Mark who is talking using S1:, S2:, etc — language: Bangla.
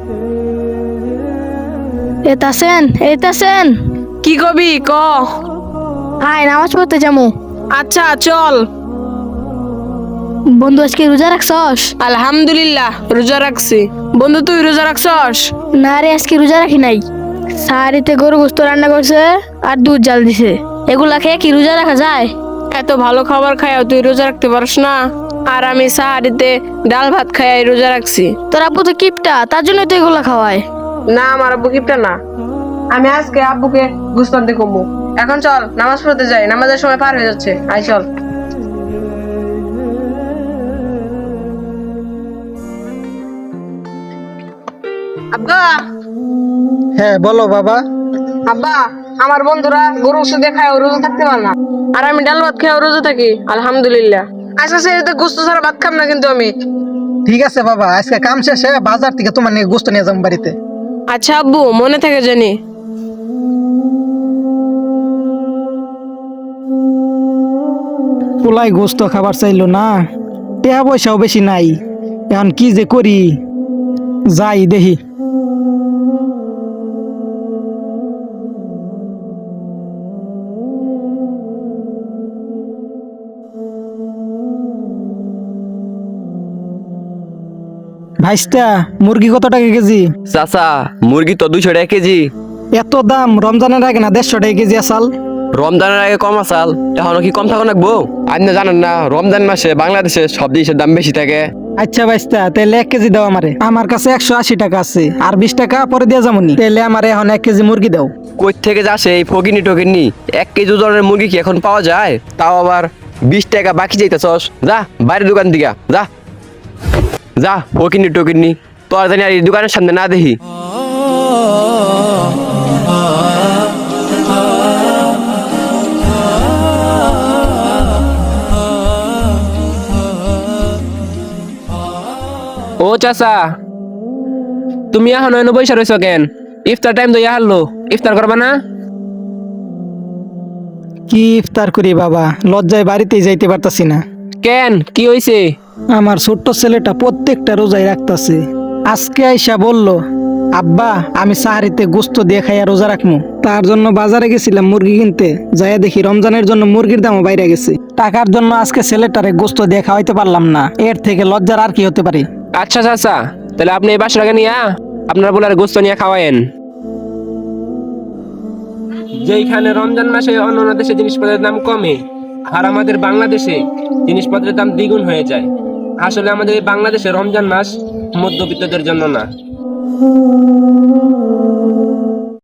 S1: এতাছেন
S2: কি কবি ক।
S1: আয় নামাজ পড়তে যাবো।
S2: আচ্ছা চল।
S1: বন্ধু আজকে রোজা রাখছস?
S2: আলহামদুলিল্লাহ রোজা রাখছি। বন্ধু তুই রোজা রাখছস?
S1: না রে, আজকে রোজা রাখি নাই। সাহারিতে গরু গোস্ত রান্না করছে আর দুধ জাল দিছে, এগুলা খেয়ে কি রোজা রাখা যায়?
S2: এত ভালো খাবার খাইও তুই রোজা রাখতে পারস না? আর আমি সাহারিতে ডাল ভাত খাই রোজা রাখছি।
S1: তোর আব্বু তো কিপটা, তার জন্য তো এগুলা খাওয়ায়।
S2: না আমার আব্বু কিপটা না। আমি আজকে আব্বুকে গুস্তান দিয়ে কমবো। এখন চল নামাজ পড়তে যাই, নামাজের সময় পার হয়ে যাচ্ছে। আই চল। আব্বা।
S3: হ্যাঁ বলো বাবা।
S2: আব্বা, আমার বন্ধুরা গরু শুধু খায় রোজা থাকতে পারে না, আর আমি ডাল ভাত খেয়ে রোজা থাকি আলহামদুলিল্লাহ। আজকে সেই গোস্ত ছাড়া ভাত খাম না কিন্তু আমি।
S3: ঠিক আছে বাবা, আজকে কাম শেষে বাজার থেকে তোমার নিয়ে গোস্ত নিয়ে যাবো বাড়িতে।
S2: আচ্ছা আব্বু, মনে থাকে জানি।
S3: পোলাই গোস্ত খাবার চাইলো না, টাকা পয়সাও বেশি নাই, এখন কি যে করি, যাই দেখি। ভাইস্তা, মুরগি কত টাকা কেজি?
S4: চাচা মুরগি তো 200 টাকা কেজি।
S3: এত দাম? রমজানের আগে না 150 টাকা কেজি আসাল?
S4: রমজানের আগে কম আসাল, এখনো কি কম থাকো নাকবো? আপনি জানেন না রমজান মাসে বাংলাদেশে সব জিনিসের দাম বেশি থাকে।
S3: আচ্ছা ভাইস্তা, তাহলে 1 কেজি দাও আমারে। আমার কাছে 180 টাকা আছে, আর 20 টাকা পরে দিয়ে যাবনি। তাহলে আমারে এখন 1 কেজি মুরগি দাও।
S4: কই থেকে যাচ্ছে এই ফকিনি টকিনি? 1 কেজি ওজনের মুরগি কি এখন পাওয়া যায়? তাও আবার 20 টাকা বাকি যাইতেছস। যা বাইরের দোকান দিকে যা যা, ফকিনি টকিনি তোর জানি আর এই দোকানের সামনে না দেখি।
S5: ও চাচা, তুমি এখন এনে বসে রয়েছো কেন? ইফতার টাইম তো হারলো, ইফতার করবা না?
S3: কি ইফতার করি বাবা, লজ্জায় বাড়িতেই যাইতে পারতাছি না।
S5: কেন, কি হয়েছে?
S3: আমার ছোট্ট ছেলেটা প্রত্যেকটা রোজায় রাখতাছে। আজকে আইসা বলল, আব্বা আমি সাহারিতে গোস্ত দিয়ে খাইয়া রোজা রাখবো। তার জন্য বাজারে গেছিলাম মুরগি কিনতে, যাইয়া দেখি রমজানের জন্য মুরগির দামও বাইরে গেছে। টাকার জন্য আজকে ছেলেটারে গোস্ত দিয়ে খাওয়াইতে পারলাম না, এর থেকে লজ্জার আর কি হতে পারে?
S5: আচ্ছা চাচা, তাহলে আপনি এই বাসাটাকে নিয়ে আপনার বলার গোস্ত নিয়ে খাওয়ায়েন। যেইখানে রমজান মাসে অন্য দেশে জিনিসপত্রের দাম কমে, আর আমাদের বাংলাদেশে জিনিসপত্রের দাম দ্বিগুণ হয়ে যায়। আসলে আমাদের এই বাংলাদেশে রমজান মাস মধ্যবিত্তদের জন্য না।